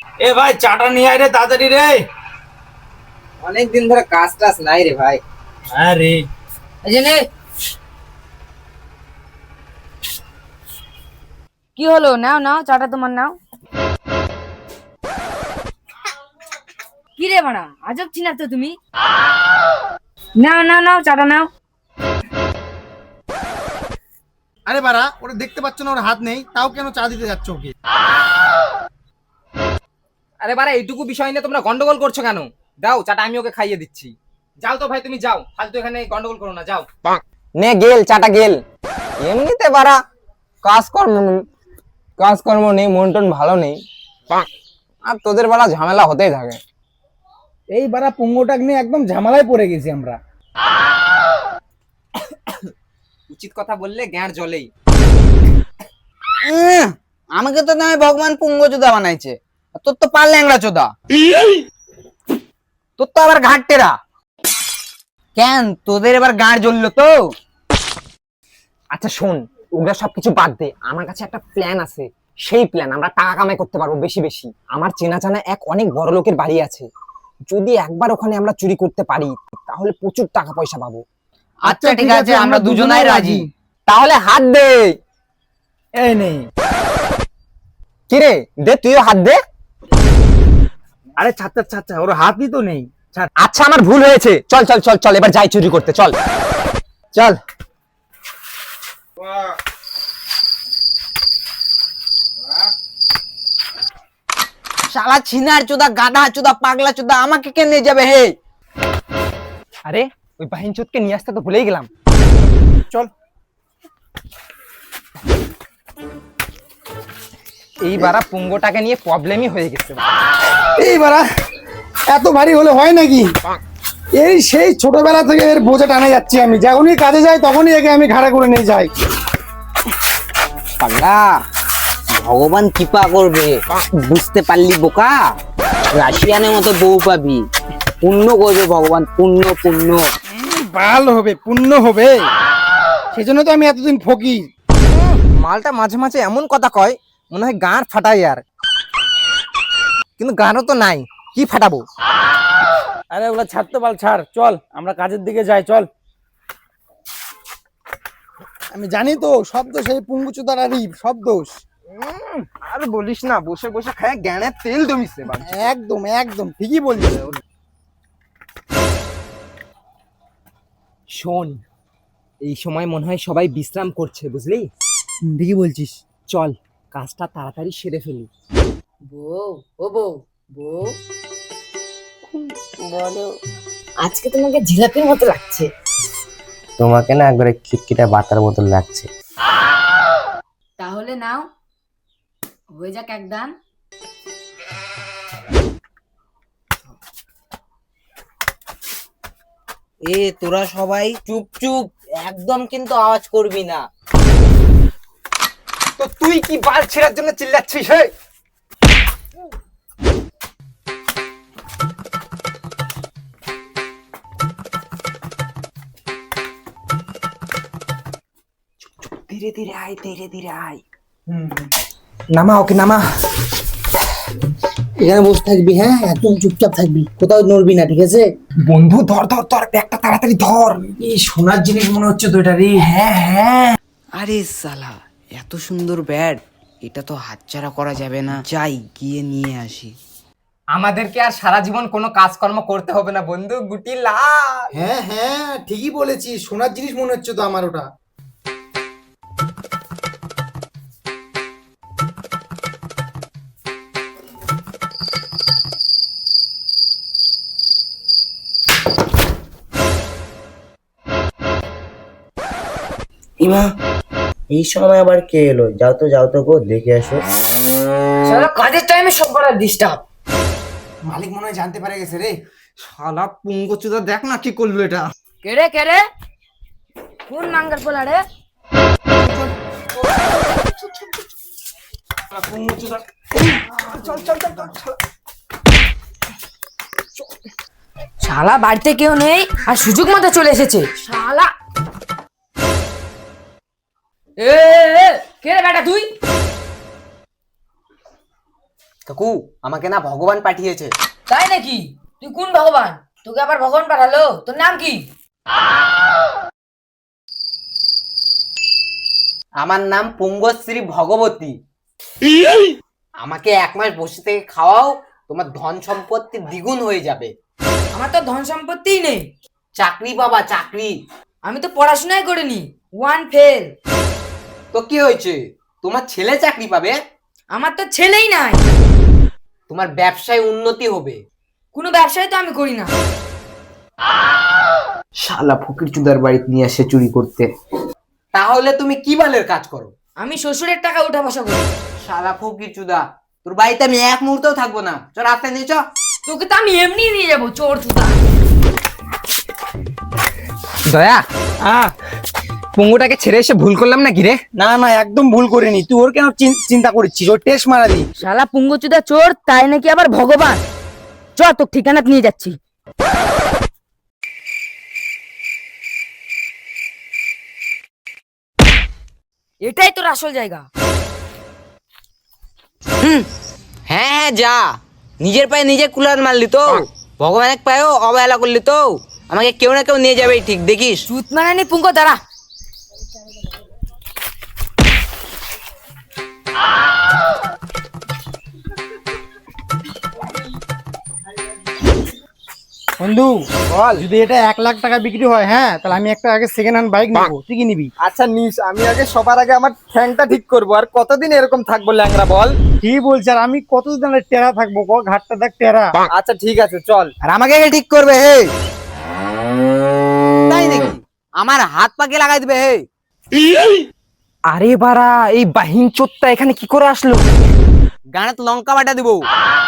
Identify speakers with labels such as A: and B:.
A: এ ভাই চাটা নিয়ে আয় রে তাড়াতাড়ি রে।
B: অনেকদিন ধরে কাজ টাজ নাই রে ভাই।
A: হ্যাঁ রে।
B: এই যে নে।
C: কি হলো? নাও নাও, চাটা তোমার নাও। কি রে বাড়া, আজব চিনা তো তুমি। নাও নাও নাও, চাটা নাও।
D: আরে বাড়া, ওরা দেখতে পাচ্ছ না ওর হাত নেই, তাও কেন চা দিতে যাচ্ছ ওকে?
B: আরে বাড়া, এইটুকু বিষয় নিয়ে তোমরা গন্ডগোল করছো কেন? দাও চাটা, আমি ওকে খাইয়ে দিচ্ছি। যাও তো ভাই, তুমি যাও, ফালতু এখানে গন্ডগোল করো না, যাও।
E: নে গেল চাটা গেল। এমনিতে বাড়া কাজকর্ম নেই, মন টন ভালো নেই, আর তোদের বাড়া ঝামেলা হতেই থাকে।
D: এই বাড়া পুঙ্গটাক নিয়ে একদম ঝামেলায় পড়ে গেছি আমরা।
B: উচিত কথা বললে গ্যাঁড় জ্বলেই।
E: আমাকে তো নয় ভগবান পুঙ্গ চোদা বানাইছে, আর তোর তো পার ল্যাংড়া চোদা, তোর তো আবার ঘাট টেরা। কেন তোদের এবার গাঁড় জ্বললো তো? আচ্ছা শোন, ওগুলা সবকিছু বাদ দে, আমার কাছে একটা প্ল্যান আছে। সেই প্ল্যান, আমরা টাকা কামাই করতে পারবো বেশি বেশি। আমার চেনা জানা এক অনেক বড় লোকের বাড়ি আছে, যদি একবার ওখানে আমরা চুরি করতে পারি তাহলে প্রচুর টাকা পয়সা পাবো।
D: আচ্ছা ঠিক আছে, আমরা দুজনাই রাজি।
E: তাহলে হাত দে।
D: এই নেই।
E: কিরে দে, তুইও হাত দে।
D: আরে ছাত্র ছাত্র, ওর হাতই তো নেই।
E: আচ্ছা আমার ভুল হয়েছে, চল চল চল চল, এবার যাই চুরি করতে, চল চল। শালা ছিনার চোদা, গাধা চোদা, পাগলা চোদা, আমাকে কে নিয়ে যাবে হে? আরে ওই বাহিন চোদকে নিয়ে আসতে তো ভুলেই গেলাম।
D: চল।
E: এই বারা পুঙ্গটাকে নিয়ে প্রবলেমই হয়ে গেছে।
D: এই বাড়া এত ভারী হলে হয় নাকি? এই সেই ছোটবেলা থেকে এর বোঝা টানে যাচ্ছি আমি, যখনই কাজে যাই তখনই একে আমি ঘাড়ে করে নিয়ে যাই।
E: পাগলা, ভগবান কৃপা করবে, বুঝতে পারলি বোকা? রাশিয়ানের মতো বউ পাবি, পুণ্য করবে ভগবান, পুণ্য পুণ্য।
D: ভালো হবে, পুণ্য হবে, সেজন্য তো আমি এতদিন ফকির।
E: মালটা মাঝে মাঝে এমন কথা কয় মনে হয় গাঁড় ফাটাই, আর কিন্তু গাঁড়ও তো নাই, কি ফাটাবো?
D: আরে ওগুলা ছাড় তো, বাল ছাড়, চল আমরা কাজের দিকে যাই, চল। আমি জানি তো সব দোষ এই পুঙ্গুচুদারারই, সব দোষ।
E: আর বলিস না, বসে বসে খায় জ্ঞানের তেল জমিছে।
D: একদম একদম ঠিকই বলছিস।
E: শোন, এই সময় মনে হয় সবাই বিশ্রাম করছে, বুঝলি?
D: ঠিকই বলছিস।
E: চল কাজটা তাড়াতাড়ি সেরে ফেলি।
C: বউ, ও বউ, বউ বলো, আজকে তোমাকে জিলাপির মতো লাগছে।
F: তোমাকে না একবারে খিটখিটা বাতার বোতল লাগছে।
C: তাহলে নাও, হয়ে যাক একদম।
E: এ তোরা সবাই চুপ চুপ, একদম কিন্তু আওয়াজ করবি না। তো তুই কি বাল ছেড়ার জন্য চিল্লাচ্ছিস? হে ধীরে ধীরে আয়, ধীরে ধীরে আয়। নামা ওকে, নামা।
D: এখানে বসে থাকবি, হ্যাঁ একদম চুপচাপ থাকবি, কোথাও নড়বি না, ঠিক আছে?
E: বন্ধু ধর ধর ধর, ব্যাগটা তাড়াতাড়ি ধর।
D: এই সোনার জিনিস মনে হচ্ছে তো এটা রে।
E: হ্যাঁ হ্যাঁ।
G: আরে সালা, এত সুন্দর ব্যাট, এটা তো হাতছাড়া করা যাবে না, যাই গিয়ে নিয়ে আসি।
B: আমাদেরকে আর সারা জীবন কোনো কাজকর্ম করতে হবে না বন্ধু, গুটি লাভ।
D: হ্যাঁ হ্যাঁ ঠিকই বলেছিস, সোনার জিনিস মনে হচ্ছে তো আমার ওটা।
F: ইমা, এই সময় আবার কে এলো? যাও তো যাও তো গো, দেখে আসো।
C: সারা কাজের টাইমে সব করার ডিস্টার্ব।
D: মালিক মনে হয় জানতে পারে গেছে রে।
E: শালা পুঙ্গচুদা, দেখ না কি করলো এটা।
C: কেড়ে কেড়ে কোন নাঙ্গল পোলা রে? শালা বাড়িতে কেউ নেই আর সুযোগ মতো চলে এসেছে শালা। এ কে রে বেটা তুই?
E: কাকু আমাকে না ভগবান পাঠিয়েছে।
C: তাই নাকি? তুই কোন ভগবান? তোকে আবার ভগবান পাঠালো? তোর নাম কি?
E: আমার নাম পুঙ্গশ্রী ভগবতী। আমাকে 1 মাস বসে থেকে খাওয়াও, তোমার ধন সম্পত্তি দ্বিগুণ হয়ে যাবে।
C: আমার তো ধন সম্পত্তিই নেই।
E: চাকরি বাবা, চাকরি।
C: আমি তো পড়াশোনাই করিনি, 1 ফেল।
E: তো কি হয়েছে, তোমার ছেলে চাকরি পাবে।
C: আমার তো ছেলেই নাই।
E: তোমার ব্যবসায় উন্নতি হবে।
C: কোনো ব্যবসায় তো আমি করি না।
E: শালা ফকির চুদার বাড়িতে নিয়ে আসে চুরি করতে। তাহলে তুমি কি বালের কাজ করো?
C: আমি শ্বশুরের টাকা উঠা বসা করি।
E: শালা ফকির চুদা, তোর বাড়িতে আমি 1 মুহূর্তও থাকবো না। চল রাস্তায় নিয়ে চ।
C: তোকে তো আমি এমনি নিয়ে যাবো, চোর চুদা।
B: দয়া পঙ্গুটাকে ছেড়ে এসে ভুল করলাম নাকি রে?
D: না না, একদম ভুল করিনি। তুই ওর কেন চিন্তা করছিস? ওর টেস্ট মারা দি।
C: শালা পুঙ্গচুদা চোর, তাই নাকি আবার ভগবান। চ তোর ঠিকানা নিয়ে যাচ্ছি। এটাই তোর আসল জায়গা।
G: হ্যাঁ হ্যাঁ যা, নিজের পায়ে নিজে কুলার মারলি তো, ভগবানের পায়েও অবহেলা করলি তো। আমাকে কেউ না কেউ নিয়ে যাবে, ঠিক দেখিস।
C: চুত মারানি পুঙ্গ, দাঁড়া।
D: বন্ধু বল, যদি এটা 1 লাখ টাকা বিক্রি হয়, হ্যাঁ, তাহলে আমি একটা আগে সেকেন্ড হ্যান্ড বাইক নেবো। তুই কি নিবি?
B: আচ্ছা নিস, আমি আগে সবার আগে আমার ঠ্যাংটা ঠিক করবো। আর কতদিন এরকম থাকবো ল্যাংড়া বল?
D: কি বলছি, আর আমি কতদিন আর টেরা থাকবো? ঘাটটা দেখ টেরা।
B: আচ্ছা ঠিক আছে চল।
E: আর আমাকে কে ঠিক করবে হে? তাই নাকি? আমার হাত পাকে লাগাই দিবে হে?
B: আরে বাড়া, এই বাহিন চোরটা এখানে কি করে আসলো?
E: গানে তো লঙ্কা বাটা দিব।